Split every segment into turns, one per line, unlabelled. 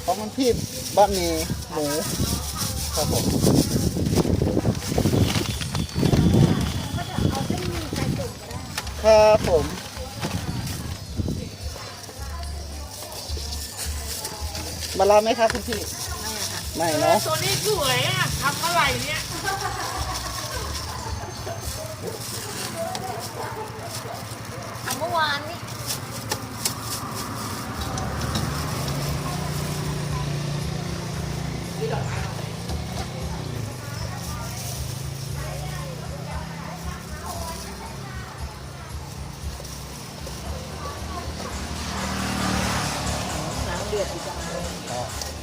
ของคุณพี่บะหมี่หมูครับผมครับผมมาลาไหมครับคุณพี่ไม่เนาะ
ตัวนี้สวยอ่ะทำเท่าไหร่เนี่ยทำเมื่อวานนี้น้ำเดือดอีกแล้ว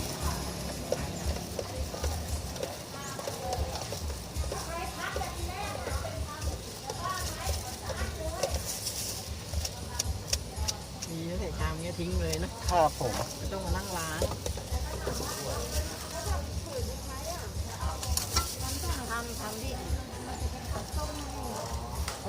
มีแล้วแต่ชามเงี้ยทิ้งเลยนะครับ
ผม
ไม่ต้องมานั่งล้างทำดิโอ้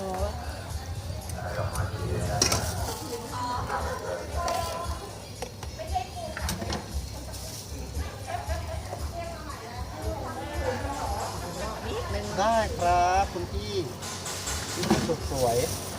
ได้ครับคุณพี่สุดสวย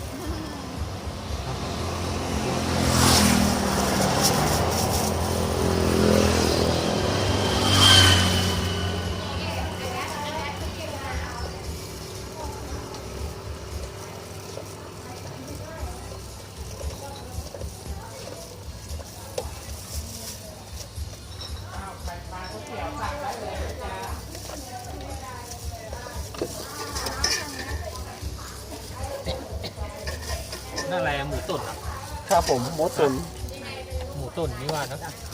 นั่นอะไรอะหมูตุ๋นอะ
ครับผมหมูตุ๋น
หมูตุ๋นนี่ว่านะ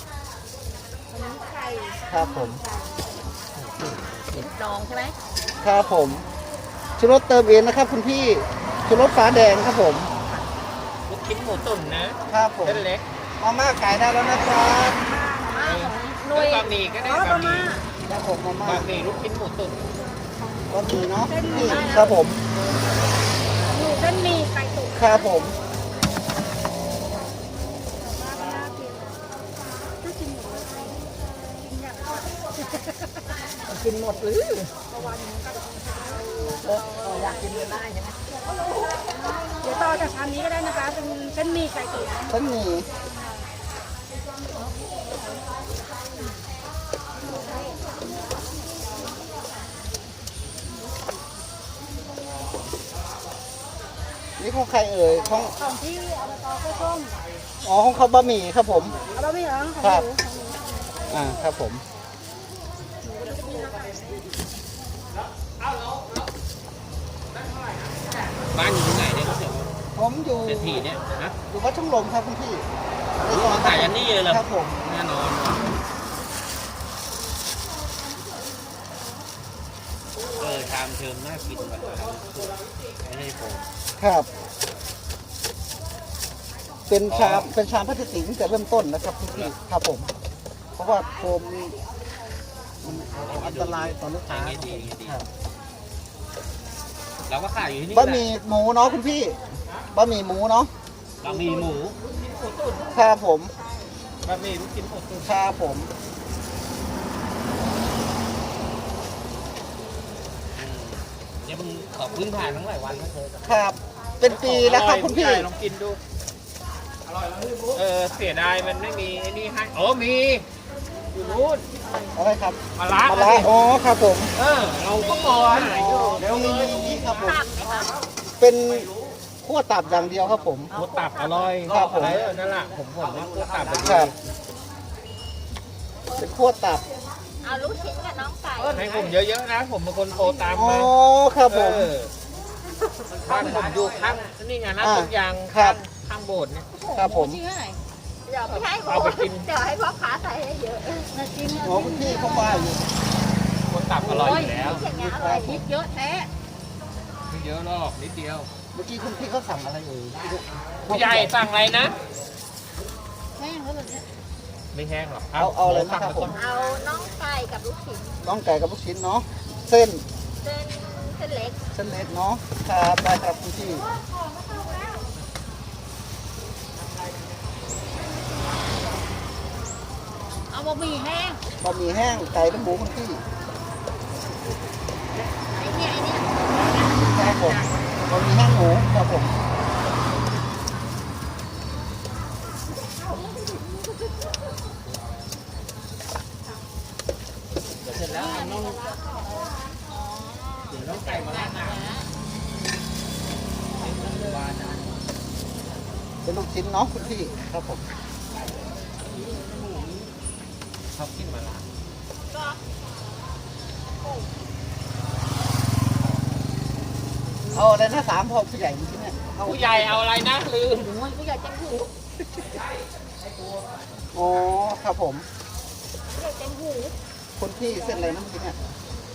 ครับผม
ติดดองใช่ไหม
ครับผมชูรสเติมเองนะครับคุณพี่ชูรสฟ้าแดงครับผม
ลูกชิ้นหมูตุ๋นนะครับ
ผม
เส้นเล็ก
มาม่าขายได้แล้วนะครับ
หน่วย
บะหมี่ก็ได้บะหมี่
ครับผมมาม่า
บะหมี่ลูกชิ้นหมูตุ๋น
ก็มีเนาะนี่ครับผม
อยู่เส้นหมี่ไก่ตุ๋น
ครับผม
กินหมดหรืออยากกินก็ได้ใช่ไหมเดี๋ยวต่อจากชามนี้ก็ได้นะคะเป็นเส้นหมี่ไก่ตุ๋น
เส้นหมี่นี่ของใครเอ่ยของ
ของที่อบตกล้วยส้ม
อ๋อของเขาบะหมี่ครับผม
เอาบะหมี่เหรอของ
ครับ
หนูของหนู
ครับผม
บ้านอยู่ที่ไหนเนี่ยเขาเสียว่า
ผมอยู่
เศรษฐีเนี่ยนะ
อยู่วัดช่องลมครับคุณพี่
มาขายอันนี้เลยเหรอ
ครับผม
แน่นอนว่ะชามเชิมน่ากินแบบไม่ให้ผม
ครับ เป็นชามพลาสติกตั้งแต่เริ่มต้นนะครับคุณพี่ครับผม เพราะว่าโฟมมันอันตรายต่อลูกค้าครับ
เราก็ขายอยู่ที่นี่
บะหมี่หมูเนาะคุณพี่บะหมี่หมูเนาะ
บะหมี่หมู
ครับผม
บะหมี่ลูกชิ้นหมูตุ๋น
ครับผม
เดี๋ยวมึงขอพื้นผ่านทั้งหลายวันนะเธอ
ครับ เป็นปีแล้วครับคุณพี่
ลองกินดูอร่อยแล้วเสียดายมันไม่มีไอ้นี่ให้อ๋อมีอยู่นู้น
อะไรครับ
มะระ
มะระอ๋อครับผม
เราก็มองหาอยู่
เดี๋ยวมีครับผม เป็นขั้วตับอย่างเดียวครับผม
หมูตับอร่อย
ครับผม
อะไรนั่นแหละผมว่าหมูตับเป็น
ครับ เป็นขั้วตับ
เอาลูกชิ้นกับน้องไก่
ให้ผมเยอะๆนะ ผมเป็นคนโทรตาม
อ๋อ
มา
ครับผม
บ้านผมอยู่ข้างนี่ไงนะต้นยาง
ครับ
ข้างโบสถ์เนี่ย
ครับผม
เดี๋ยวไม่ให้
เอาไปกิน
เดี๋ยวให้พ่อค้าใส่ให้เยอะนะจริง
อ๋อคุณพี่เขาว่าอยู่
หมูตับอร่อยอยู่แล้ว
อย่างเงี้ยอร่อยพริกเยอะแท้
ไม่เยอะหรอกนิดเดียว
เมื่อกี้คุณพี่เขาสั่งอะไรเอ่ย
ผู้ใหญ่สั่งอะไรนะ
แห้งแล้วแบบเนี้ย
ไม่แห้งหรอก
เอาอะไรนะครับผม
เอาน้องไก่กับลูกชิ้น
น้องไก่กับลูกชิ้นเนาะ เส้น
เส้นเล็ก
เส้นเล็กเนาะ ครับได้ครับคุณพี่
เอาบะหมี่แห้ง
บะหมี่แห้งไก่และหมูคุณพี่
ไอ้เนี่ย
ครับผมบะหมี่แห้งหมูครับผม
เดี๋ยวเสร็จแล้วน้องเดี๋ยวน้องไก่มาล้างน้ำ
เป็นลูกชิ้นเนาะคุณพี่ครับผม
ชอบกินมาล้าง
เอาอะไรนะ3พอผู้ใหญ่จริงๆเนี่ยเอา
ผู้ใหญ่เอาอะไรนะลืม
หนูผู้ใหญ่เต็มหู
อ๋อครับผม
ผู้ใหญ่เต็มหู
คุณพี่เส้นอะไรนะเมื่อกี้เนี่ย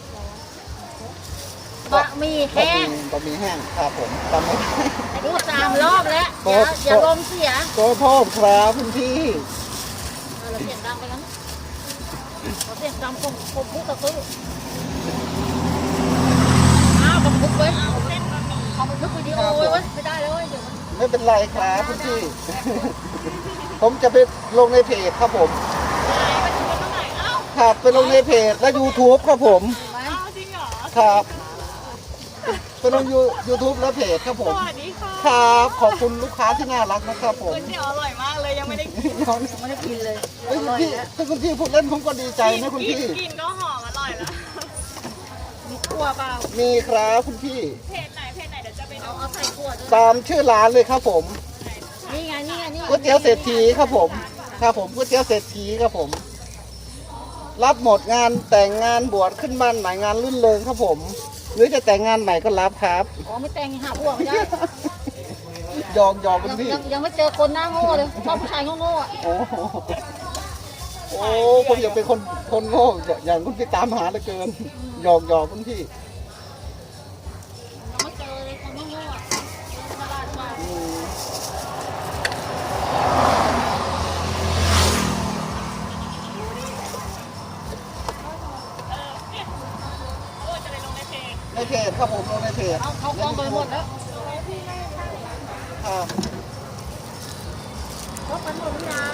บะหมี่แห้ง
บะหมี่แห้งครับผมจำไม่ได้
พูด3 รอบแล้วอย่าลมเสีย
ขอโทษครับคุณพี่
เราเสียงดังไปแล้วเราเสียงดังผมพูดกับตุ้ยอ้าวบันทึกไว้เอาบันทึกวิดีโอไว้ไม่ได้แล้วเดี๋ยว
ไม่เป็นไรครับคุณพี่ ผมจะไปลงในเพจครับผมครับไปลงในเพจและ YouTube ครับผม
จริงเหรอ
ครับไปลงYouTube และเพจครับผม
สวัสดีค่ะ
ครับขอบคุณลูกค้าที่น่ารักนะครับผม
ก๋วยเตี๋ยวอร่อยมากเลยยังไม่ได้กิน
น้อง
ไม่ได้กินเลย
เฮ้ยคุณพี่ถ้าคุณพี่พูดเล่นผมก็ดีใจนะคุณพี่
กินก็หอมอร่อยแล้วมีขั่วเปล่า
มีครับคุณพี่
เพจไหนเดี๋ยวจะไปเอาใส่ขั่วด้วย
ตามชื่อร้านเลยครับผม
นี่ไง
ก๋วยเตี๋ยวเศรษฐีครับผมครับผมก๋วยเตี๋ยวเศรษฐีครับผม รับหมดงานแต่งงานบวชขึ้นบ้านใหม่งานรื่นเริงครับผม หรือจะแต่งงานใหม่ก็รับครับ
อ๋อไม่แต่งหาผัวไม่ได้
ยอมคุณพี่
ยังไม่เจอคนหน้าโง่เลยชอบผู้ชายโง่ๆอ่ะ
โอ้โหโอ้ผมอยากเป็นคนโง่อย่างคุณพี่ตามหาเหลือเกินยอมคุณพี่
ยังไม่เจอเลยคนโง่ๆอ่ะตลาดมา
อืม
จะไปลงในเพจ
ในเพจครับผมลงในเพจ
เขากล้องไปหมดแล้ว
ครับ
เขาไปหมดหรือยัง